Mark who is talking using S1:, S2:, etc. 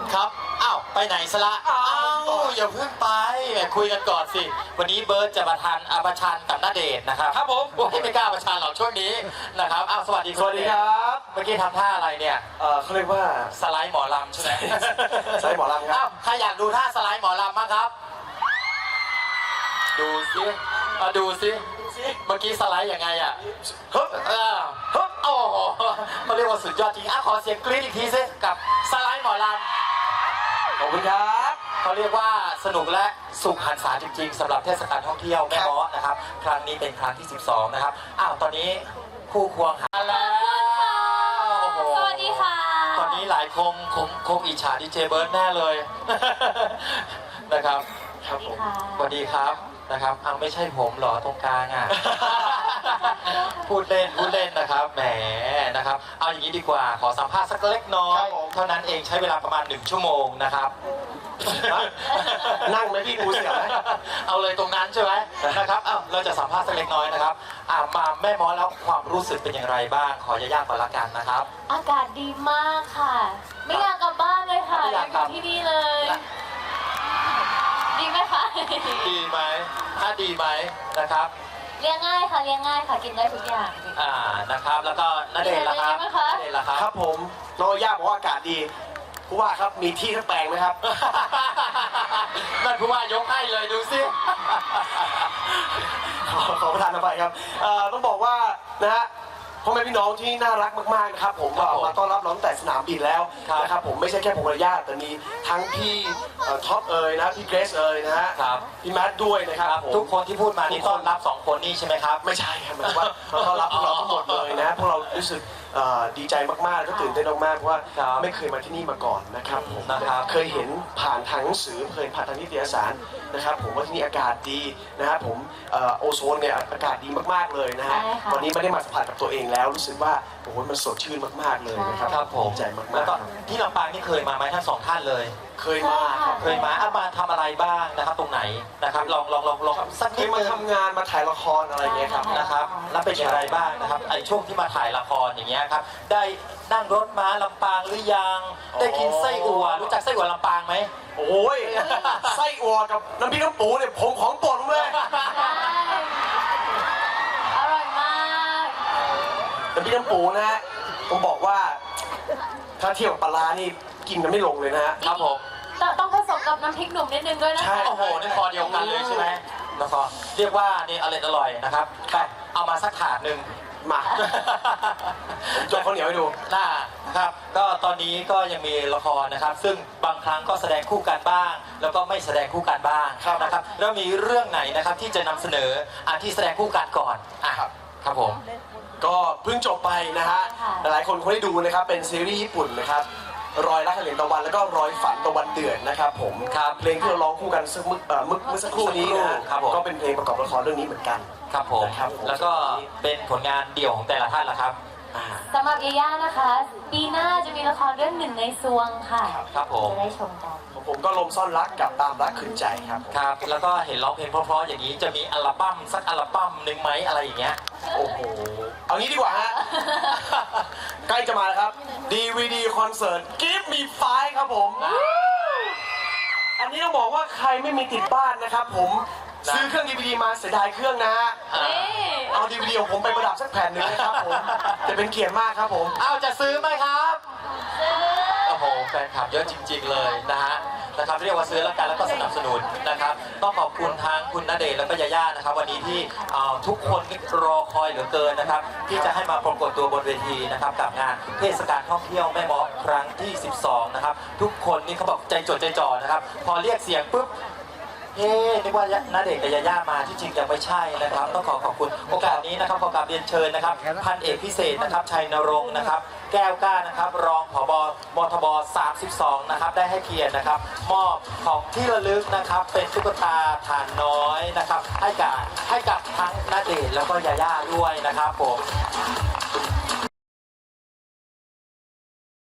S1: ครับอ้าวไปไหนซะละอ้าวอย่าเพิ่งไปคุยกันก่อนสิวันนี้เบิร์ตจะประชันกับณเดชน์นะครับครับผมไม่กล้าประชันหรอกช่วงนี้นะครับอ้าวสวัสดี
S2: ครับ
S1: เมื่อกี้ทำท่าอะไรเนี่ย
S2: เขาเรียกว่า
S1: สไลด์หมอลำใช่ไหม
S2: สไลด์หมอลำครับ
S1: ใครอยากดูท่าสไลด์หมอลำบ้างครับดูสิดูสิเมื่อกี้สไลด์ยังไงอ่ะฮึบฮึบโอ้โหเขาเรียกว่าสุดยอดจริงขอเสียงกรี๊ดอีกทีสิกับสไลด์หมอลำ
S2: ขอบคุณครับ
S1: เขาเรียกว่าสนุกและสุขหันษาจริงๆสำหรับเทศกาลท่องเที่ยวแม่ม้อนะครับครั้งนี้เป็นครั้งที่12นะครับตอนนี้คู่ควงหาแล้ว
S3: สวัสดีค่ะ
S1: ตอนนี้หลายคงอิจฉาดีเจเบิร์ดแน่เลยนะครับ
S3: ครับผม
S1: สวัสดีครับนะครับไม่ใช่ผมหรอตรงกลางพูดเล่นนะครับแหมนะครับเอาอย่างนี้ดีกว่าขอสัมภาษณ์สักเล็กน้อยเท่านั้นเองใช้เวลาประมาณ1 ชั่วโมงนะครับ
S2: นั่งไหมพี่กูเสียไหม
S1: เอาเลยตรงนั้นใช่ไหมนะครับเราจะสัมภาษณ์สักเล็กน้อยนะครับมาแม่ม้อแล้วความรู้สึกเป็นอย่างไรบ้างขอยากๆก่อนละกันนะครับ
S3: อากาศดีมากค่ะไม่อยากกลับบ้านเลยค่ะอยากอยู่ที่นี่เลยดีไหมคะ
S1: ดีไหมถ้าดีไหมนะครับ
S3: เลี้ยงง่ายค่ะเลี้ยงง่ายค่ะกินได้ทุกอย่าง
S1: นะครับแล้วก็ณเดชน์ล่ะครับณเดชน์ล่ะครับ
S2: ครับผมน้องย่าบอกว่าอากาศดีผู้ว่าครับมีที่ทั้งแปลงไหมครับ
S1: นั่นผู้ว่ายกให้เลยดูสิ
S2: ขอประทานอภัยครับต้องบอกว่านะฮะพ่อแม่พี่น้องที่น่ารักมากๆนะครับผมมาต้อนรับน้องแต่สนามบินแล้วนะครับผมไม่ใช่แค่ผมกับญาติแต่มีทั้งพี่ท็อปนะพี่เกรซนะฮะพี่แมทด้วยนะครับ
S1: ทุกคนที่พูดมานี่ต้อนรับ2 คนนี่ใช่ไหมครับ
S2: ไม่ใช่ครับหมายถึงว่าต้อนรับพวกเราทั้งหมดเลยนะพวกเรารู้สึกดีใจมากๆก็ตื่นเต้นมากๆเพราะว่าไม่เคยมาที่นี่มาก่อนนะครับผมเคยเห็นผ่านทางหนังสือเคยผ่านทางนิตยสารนะครับผมว่าที่นี่อากาศดีนะครับผมโอโซนเนี่ยอากาศดีมากๆเลยนะฮะวันนี้ไม่ได้มาสัมผัสกับตัวเองแล้วรู้สึกว่าโอ้โหมันสดชื่นมากๆเลยนะครับ
S1: ผม
S2: ใจมากๆ
S1: แล้วก็ที่ลำปางนี่เคยมาไหมทั้ง2 ท่านเลย
S2: เคยมา
S1: มาทำอะไรบ้างนะครับตรงไหนนะครับลองสักนิด
S2: มาทำงานมาถ่ายละครอะไรเงี้ยครับ
S1: นะครับแล้วเป็นอย่างไรบ้างนะครับไอ้ช่วงที่มาถ่ายละครอย่างเงี้ยครับได้นั่งรถม้าลำปางหรือยังได้กินไส้อั่วรู้จักไส้อั่วลำปางไหม
S2: โอ้ยไส้อั่วกับน้ำพริกน้ำปูเนี่ยผมของโปรดเลย
S3: อร่อยมาก
S2: น้ำพริกน้ำปูนะฮะผมบอกว่าถ้าเทียบกับปลานี่กินกันไม่ลงเลยนะฮะ
S1: ครับผม
S3: ต้องผสมกับน้ำพริกหนุ่มนิดนึงด้วยนะ
S1: ใช่โอ้โหนี่คอเดียวกันเลยใช่ไหมแล้วก็เรียกว่านี่อร่อยนะครับแต่เอามาสักถาดหนึ่ง
S2: มาจบข้าวเหนียวให้ดู
S1: ครับก็ตอนนี้ก็ยังมีละครนะครับซึ่งบางครั้งก็แสดงคู่กันบ้างแล้วก็ไม่แสดงคู่กันบ้างนะครับแล้วมีเรื่องไหนนะครับที่จะนำเสนอที่แสดงคู่กันก่อนครับผม
S2: ก็เพิ่งจบไปนะฮะหลายคนคงได้ดูนะครับเป็นซีรีส์ญี่ปุ่นนะครับรอยรักเหรียญตะวันแล้วก็รอยฝันตะวันเดือดนะครับผมเพลงที่เราร้องคู่กันเมื่อสักครู่นี้นะครับก็เป็นเพลงประกอบละครเรื่องนี้เหมือนกัน
S1: ครับผมแล้วก็เป็นผลงานเดี่ยวของแต่ละท่านละครับ
S3: สำหรับยาย่านะคะปีหน้าจะมีละครเรื่องหนึ่งในซวงค่ะ
S1: ครับผม
S3: จะได้ชมกัน
S2: ผมก็ลมซ่อนรักกับตามรักขืนใจครับ
S1: แล้วก็เห็นร้องเพลงเพราะๆอย่างนี้จะมีอัลบั้มสักอัลบั้มหนึ่งไหมอะไรอย่างเงี้ย
S2: โอ้โหเอางี้ดีกว่าฮะใกล้จะมาแล้วครับ DVD คอนเสิร์ต Give Me Five ครับผมอันนี้ต้องบอกว่าใครไม่มีติดบ้านนะครับผมซื้อเครื่อง DVD มาเสียดายเครื่องนะฮะเอา DVD ของผมไปประดับสักแผ่นหนึ่งนะครับผมจะเป็นเกียรติมากครับผม
S1: จะซื้อไหมครับโอ้โหแฟนคลับเยอะจริงๆเลยนะครับเรียกว่าซื้อแล้วกันแล้วก็สนับสนุนนะครับต้องขอบคุณทางคุณณเดชน์แล้วก็ยาย่านะครับวันนี้ที่ทุกคนรอคอยเหลือเกินนะครับที่จะให้มาปรากฏตัวบนเวทีนะครับกับงานเทศกาลท่องเที่ยวแม่ม้อครั้งที่12นะครับทุกคนนี่เขาบอกใจจดใจจ่อนะครับพอเรียกเสียงปุ๊บนึกว่าณเดชน์กับยาย่ามาที่จริงยังไม่ใช่นะครับต้องขอบคุณโอกาสนี้นะครับขอกราบเรียนเชิญนะครับพันเอกพิเศษนะครับชัยนรงค์นะครับแก้วกล้านะครับรองผบ.มทบ32นะครับได้ให้เกียรตินะครับมอบของที่ระลึกนะครับเป็นตุ๊กตาถ่านน้อยนะครับให้กับทั้งณเดชน์แล้วก็ยาย่าด้วยนะครับผม